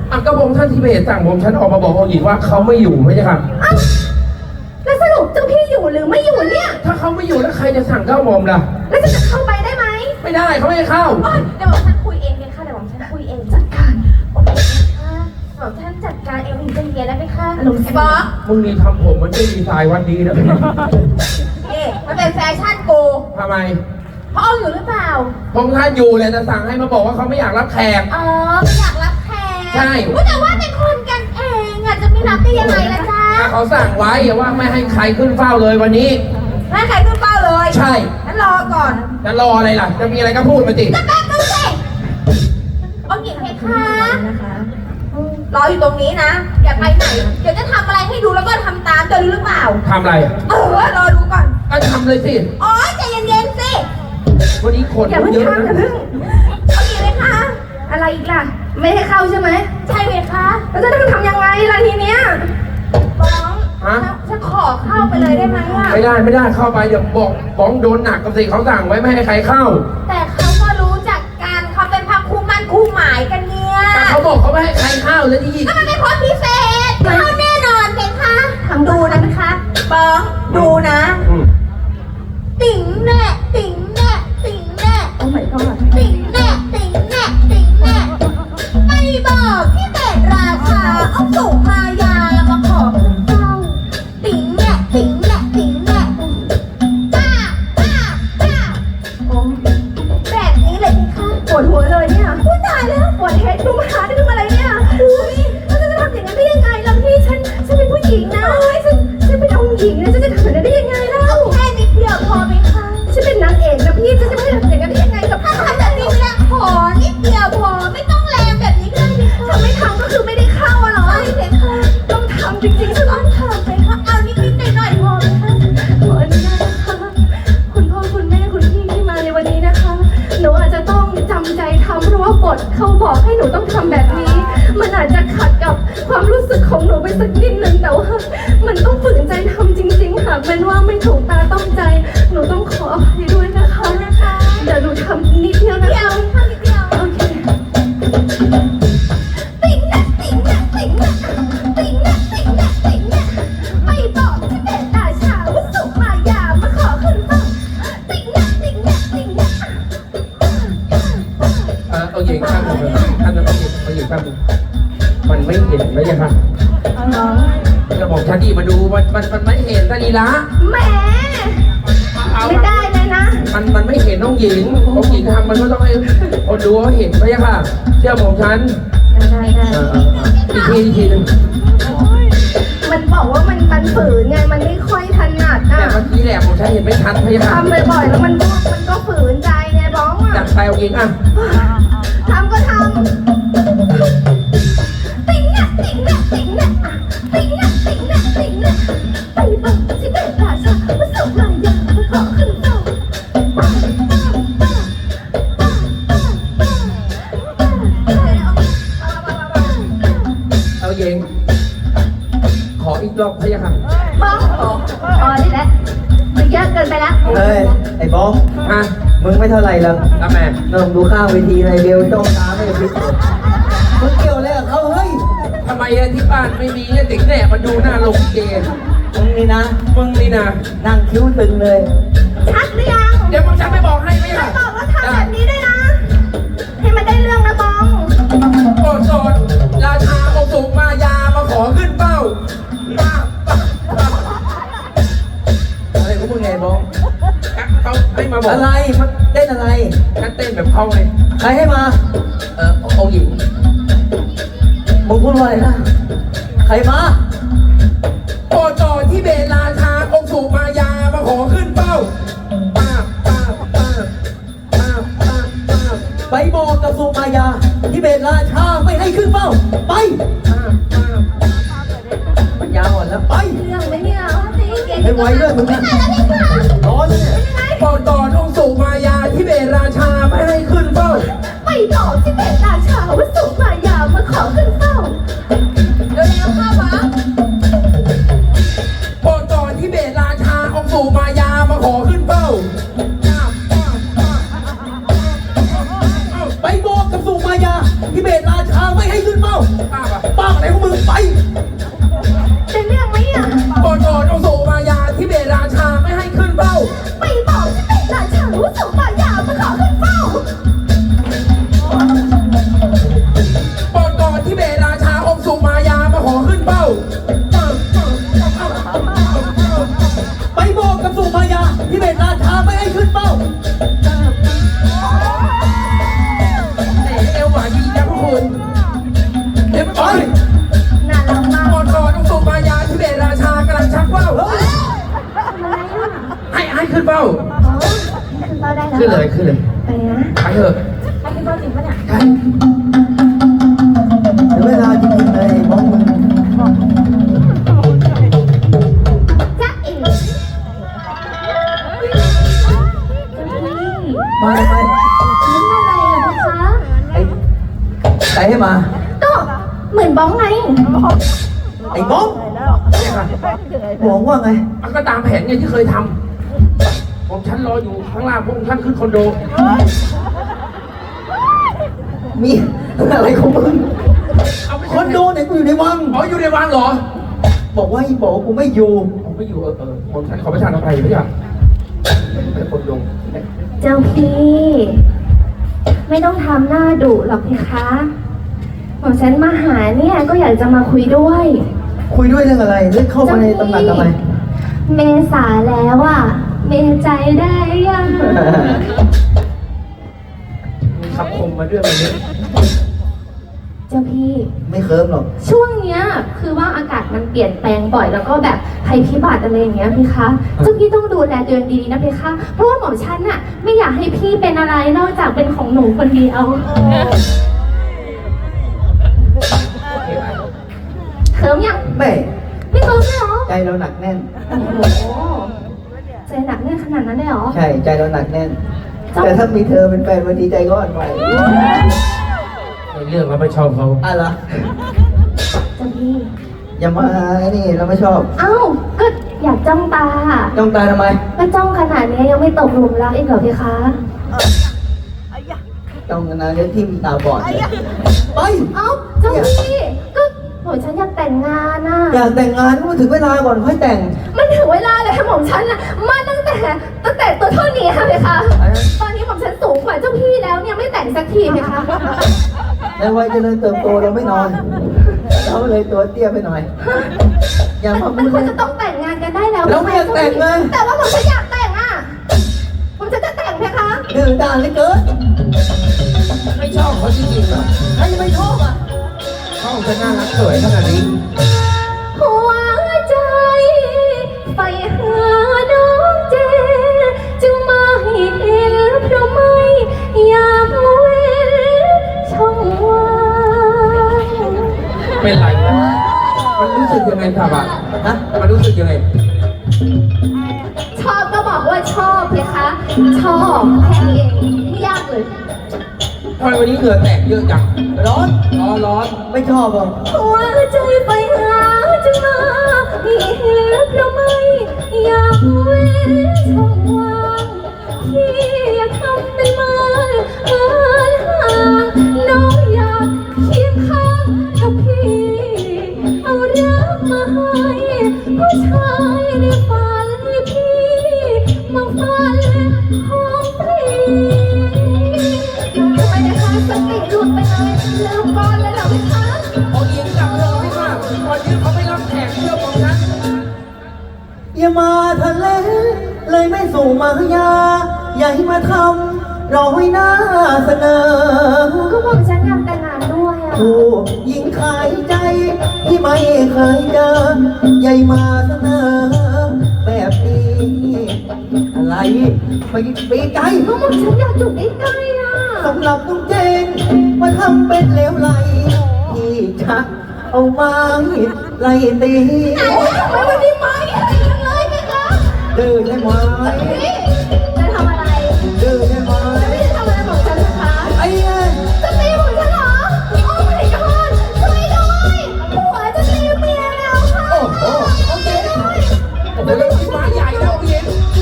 ก็ผมท่านทิเบตสั่งผมฉันออกมาบอกองค์หญิงว่าเขาไม่อยู่ไม่ใช่ครับแล้วสรุปเจ้าพี่อยู่หรือไม่อยู่เนี่ยถ้าเขาไม่อยู่แล้วใครจะสั่งเก้าหม่อมล่ะแล้วจะเข้าไปได้ไหมไม่ได้เขาไม่ให้เข้าเดี๋ยวฉันคุยเองเลยค่ะเดี๋ยวฉันคุยเองจัดการโอเคค่ะเดี๋ยวฉันจัดการเองถึงจะเย็นแล้วไหมคะไอ้บอสมึงนี่ทำผมมันไม่ดีไซน์วันดีนะมันเป็นแฟชั่นกูทำไมเขาเอาอยู่หรือเปล่าผมท่านอยู่เลยจะสั่งให้มาบอกว่าเขาไม่อยากรับแขกอ๋อไม่อยากรับแขกใช่แต่ว่าเป็นคนกันเองอ่ะจะไม่รับได้ยังไงล่ะจ๊ะถ้าเขาสั่งไว้ว่าไม่ให้ใครขึ้นเฝ้าเลยวันนี้ให้ใครขึ้นเป้าเลยใช่งั้นรอก่อนจะรออะไรล่ะ จะมีอะไรก็พูดมาสิจะแป๊บนึงสิเอาหญิงเพคะรออยู่ตรงนี้นะ อย่าไปไหน เดี๋ยวจะทำอะไรให้ดูแล้วก็ทำตามจะรู้หรือเปล่าทำอะไรรอดูก่อนก็ทำเลยสิอ๋อใจเย็นๆสิวันนี้คนอย่าเพิ่งเยอะทำอย่านะเพิ่งเอาหญิงเพคะ อะไรอีกล่ะ ไม่ให้เข้าใช่ไหม ใช่เพคะแล้วจะต้องทำยังไงล่ะทีเนี้ยบ้องฮะฉันขอเข้าไปเลยได้ไหมอ่ะไม่ได้เข้าไปเดี๋ยวบอกบ้องโดนหนักกับสิเขาสั่งไว้ไม่ให้ใครเข้าแต่เขาก็รู้จักกันเขาเป็นพักคู่มั่นคู่หมายกันเนี่ยแต่เขาบอกเขาไม่ให้ใครเข้าแล้วที่ก็มันเป็นคนพิเศษเข้าแน่นอนเพคะดูนะเพคะบ้องดูนะ ติ๋งแน่ติ๋งแน่ติ๋งแน่โอ้ my god ติ๋งแน่ติ๋งแน่ติ๋งแน่ไม่บอกที่เป็ดราชาเอาสุมายามาขอขึ้นเฝ้าติ๋งแน่ติ๋งแน่ติ๋งแน่ป้าโอ้แบบนี้เลยพี่คะปวดหัวเลยเนี่ยพูดตายแล้วปวดเฮดดูมาหาได้ทำอะไรเนี่ยอุ้ยแล้วจะทำอย่างนั้นได้ยังไงล่ะพี่ฉันเป็นผู้หญิงนะฉันเป็นองค์หญิงนะฉันจะทำแบบนั้นได้ยังไงเล่าแค่นิดเดียวพอไหมคะฉันเป็นนางเอกนะพี่ฉันจะไม่ทำอย่างนั้นได้ยังไงกับถ้าทำแบบนี้ไม่ได้ขอนิดเดียวพอไม่ต้องแรงแบบนี้ก็ได้พี่คะถ้าไม่ทำก็คือไม่ได้เข้าอะเหรอใช่เลยค่ะต้องทำจริงๆฉันต้องทำไปค่ะเอานิดๆหน่อยๆพอไหมคะขออนุญาตนะคะคุณพ่อคุณแม่คุณพี่ที่มาในวันนี้นะคะหนูอาจจะต้องจำใจทำเพราะว่าบทเขาบอกให้หนูต้องทำแบบนี้ มันอาจจะขัดกับความรู้สึกของหนูไปสักนิดนึงแต่ว่ามันต้องฝืนใจทำจริงๆค่ะเป็นว่าไม่ถูกตาต้องใจหนูต้องขออภัยด้วยนะคะเดี๋ยวหนูทำนิดเดียวนะคะโอเคติ๋งนะติ๋งนะติ๋งนะติ๋งนะติ๋งนะติ๋งนะไม่บอกที่เป็นราชาว่าสุมายามาขอขึ้นเฝ้าติ๋งนะติ๋งนะติ๋งนะเอาหญิงข้ามผมเลยท่านเอาหญิงข้ามผมมันไม่เห็นไม่ใช่ครับจะบอกชาดีมาดูมันไม่เห็นตาลีละแหมไม่ได้เลยนะมันไม่เห็นน้องหญิงทำมันก็ต้องให้คนดูเขาเห็นไม่ใช่ค่ะเชื่อผมฉันได้อีกทีนึงมันบอกว่ามันฝืนไงมันไม่ค่อยถนัดแต่อ่ะเมื่อกี้แหละผมใช้เห็นไม่ทันไม่ใช่ค่ะทำบ่อยๆแล้วมันก็ฝืนใจไงบ้องจัอ่ะดไปเอาหญิงอ่ะทำก็ทำติ๋งเนี่ยติ๋งเนี่ยติ๋งเนี่ยติ๋งเนี่ยติ๋งเนี่ยติ๋งเนี่ยไปบอกที่เป็นราชาว่าสุมายามาขอขึ้นเฝ้าเอาหญิงขออีกรอบพะยะค่ะบ้องอ๋อนี่แหละมันเยอะเกินไปแล้วเฮ้ย ไอ้บอสฮะมึงไม่เท่าไหร่หรอกทำไมนองดูข้างเวทีอะไรเบลจ้องตาไม่กระพริบมึงเกี่ยวอะไรกับเขาเฮ้ยทำไมที่บ้านไม่มีเนี่ยเด็กแน่มาดูหน้าลงเกย์มึงนี่นะมึงนี่นะนั่งคิ้วตึงเลยชัดหรือยังเดี๋ยวมึงจะไม่บอกให้ไหมไม่ล่ะบอกว่าทำแบบนี้ด้วยนะ ให้มันได้เรื่องนะบ้องโกรธโสดราชาองค์สุมายามาขอขึ้นเป้าอะไรของมึงไงบอสเขาให้มาบอกอะไรมันเต้นอะไรฉันเต้นแบบเขาเลยใครให้มาองค์หญิงมึงพูดว่าอะไรนะ ใครมาโอจอที่เบลราชาองค์สุมายามาขอขึ้นเป้าป้าป้าป้าป้าป้าป้าไปบอกกับสุมายา ที่เบตราชาไม่ให้ขึ้นเป้า ไปป้าป้าปัญญาอ่อนแล้ว ไปเรื่องไหมเนี่ยเอาสิเก่งให้ไวด้วยมึงไม่นะได้แล้วพี่ค่ะร้อนเลยเนี่ยโอจอองค์สุมายาที่เบลราชาไม่ให้ขึ้นเป้าไปบอกที่เป็นราชาว่าสุมายามาขอขึ้นเฝ้าเร็วๆเข้ามาโอจอที่เบลราชาองค์สุมายามาขอขึ้นเป้าไปบอกกับสุมายา ที่เบตราชาไม่ให้ขึ้นเป้าป้าจะเรื่องไหมอ่ะก่อนองค์สุมายาที่เบราชาไม่ให้ขึ้นเป้าไปบอกที่เป็นราชารู้สึกว่ายามาขอขึ้นเฝ้าก่อนที่เบราชาองค์สุมายามาขอขึ้นเป้าไปบอกกับสุมายาที่เป็นราชาไม่ให้ขึ้นเป้าเอวหวานดีนะพวกคุณเดี๋ยวไปน่ารักมากก่อนองค์สุมายาที่เบราชากำลังชักว่าวทำอะไรอ่ะให้ขึ้นเป้าอ๋อขึ้นเฝ้าได้แล้วขึ้นเลยไปนะไปเถอะให้ขึ้นเฝ้าจริงปะเนี่ยใช่ถึงเวลาจริงๆเลยมองมึงจ๊ะเอ๋มาทำไมยิ้มอะไรอ่ะพี่คะไอ้ใครให้มาก็เหมือนบ้องไงไอ้บ้องเนี่ยค่ะบอกว่าไงมันก็ตามแผนไงที่เคยทำผมฉันรออยู่ข้างล่างพวกท่านขึ้นคอนโดมีอะไรของมึงเอาไปคอนโดเนี่ยกูอยู่ในวังอ๋ออยู่ในวังเหรอบอกว่าอีบอกว่ากูไม่อยู่ผมไม่อยู่ผมฉันขอประทานอภัยพี่อ่ะเป็นคนลงเจ้าพี่ ไม่ต้องทำหน้าดุหรอกพี่คะผมฉันมาหาเนี่ยก็อยากจะมาคุยด้วยคุยด้วยเรื่องอะไรเรื่องเข้ามาในตำหนักทำไมเมษาแล้วอ่ะ เมใจได้ยังมีคำคมมาด้วยวันนี้เจ้าพี่ไม่เคิร์มหรอกช่วงเนี้ยคือว่าอากาศมันเปลี่ยนแปลงบ่อยแล้วก็แบบภัยพิบัติอะไรอย่างเงี้ยพี่คะเจ้าพี่ต้องดูแลตัวเองดีๆนะพี่คะเพราะว่าหมอมฉันน่ะไม่อยากให้พี่เป็นอะไรนอกจากเป็นของหนูคนเดียวเขิมยังแม่ไม่เขิมเลยเหรอใจเราหนักแน่นโอ้โหใจหนักแน่นขนาดนั้นเลยเหรอใช่ใจเราหนักแน่น แต่ถ้ามีเธอเป็นแฟนวันดีใจก็อ่อนไหวในเรื่องเราไม่ชอบเขาอ่ะเหรอเจ้าพี่อย่ามาไอ้นี่เราไม่ชอบเอ้าก็อยากจ้องตาจ้องตาทำไมก็จ้องขนาดนี้ยังไม่ตกหลุมรักอีกเหรอพี่คะจ้องนานๆเดี๋ยวทิ่มตาบอดเลยไปเอ้าเจ้าพี่ก็หนูฉันอยากแต่งงานน่ะอยากแต่งงานก็ถึงเวลาก่อนค่อยแต่งมันถึงเวลาเลยค่ะหม่อมฉันน่ะมาตั้งแต่ตัวเท่านี้ค่ะเลยค่ะ ตอนนี้หม่อมฉันสูงกว่าเจ้าพี่แล้วเนี่ยไม่แต่งสักทีเลยค่ะในวัยเจริญเติบโตเราไม่นอนเราเลยตัวเตี้ยไปหน่อย อย่ามาพูมันดควรเลยจะต้องแต่งงานกันได้แล้วเราไม่อยากแต่งเลยแต่ว่าหม่อมฉันอยากแต่งอ่ะหม่อมฉันจะแต่งไหมคะดื้อด้านเหลือเกินไม่ชอบเขาจริงๆเหรอใครจะไม่ชอบอ่ะเขาจะน่ารักสวยขนาดนี้หัวใจไปหาน้องเจจึงมาให้เห็นเพราะไม่อยากเว้นช่องว่างเป็นไรนะมันรู้สึกยังไงครับอ่ะฮะมันรู้สึกยังไงชอบก็บอกว่าชอบเลยคะชอบแค่นี้เองไม่ยากเลยทำไมวันนี้เหงื่อแตกเยอะจังร้อนร้อนไม่ชอบหรอกหัวใจไปหาจึงมาให้เห็นเพราะไม่อยากเว้นช่องว่างที่อยากทำเป็นไม้เอินห่างน้องอยากเคียงข้างกับพี่ เอารักมาให้ผู้ชายในฝันพี่มาฝันของพี่ทำไมนะคะสติหลุดไปเลยลืมก่อนเลยเหรอพี่คะๆเอาหญิงกลับเถอะพี่ค่ะวันนี้เขาไม่รับแขกเชื่อของฉันอย่ามาทะเลเลยไม่สู่มายา อย่าให้มาทำเราให้หน้าเสนอก็บอกฉันอยากแต่งงานด้วยอ่ะผู้หญิงขายใจที่ไม่เคยเจอใหญ่มาเสนอ แบบนี้อะไรไม่ปีใจก็บอกฉันอยากอยู่ใกล้ๆอ่ะสำหรับตุ้งเจนมาทำเป็นเลวไหลที่จะเอาไม้ไล่ตีทำไมวันนี้ไม่ให้จังเลยพี่คะเดินได้ไหมพี่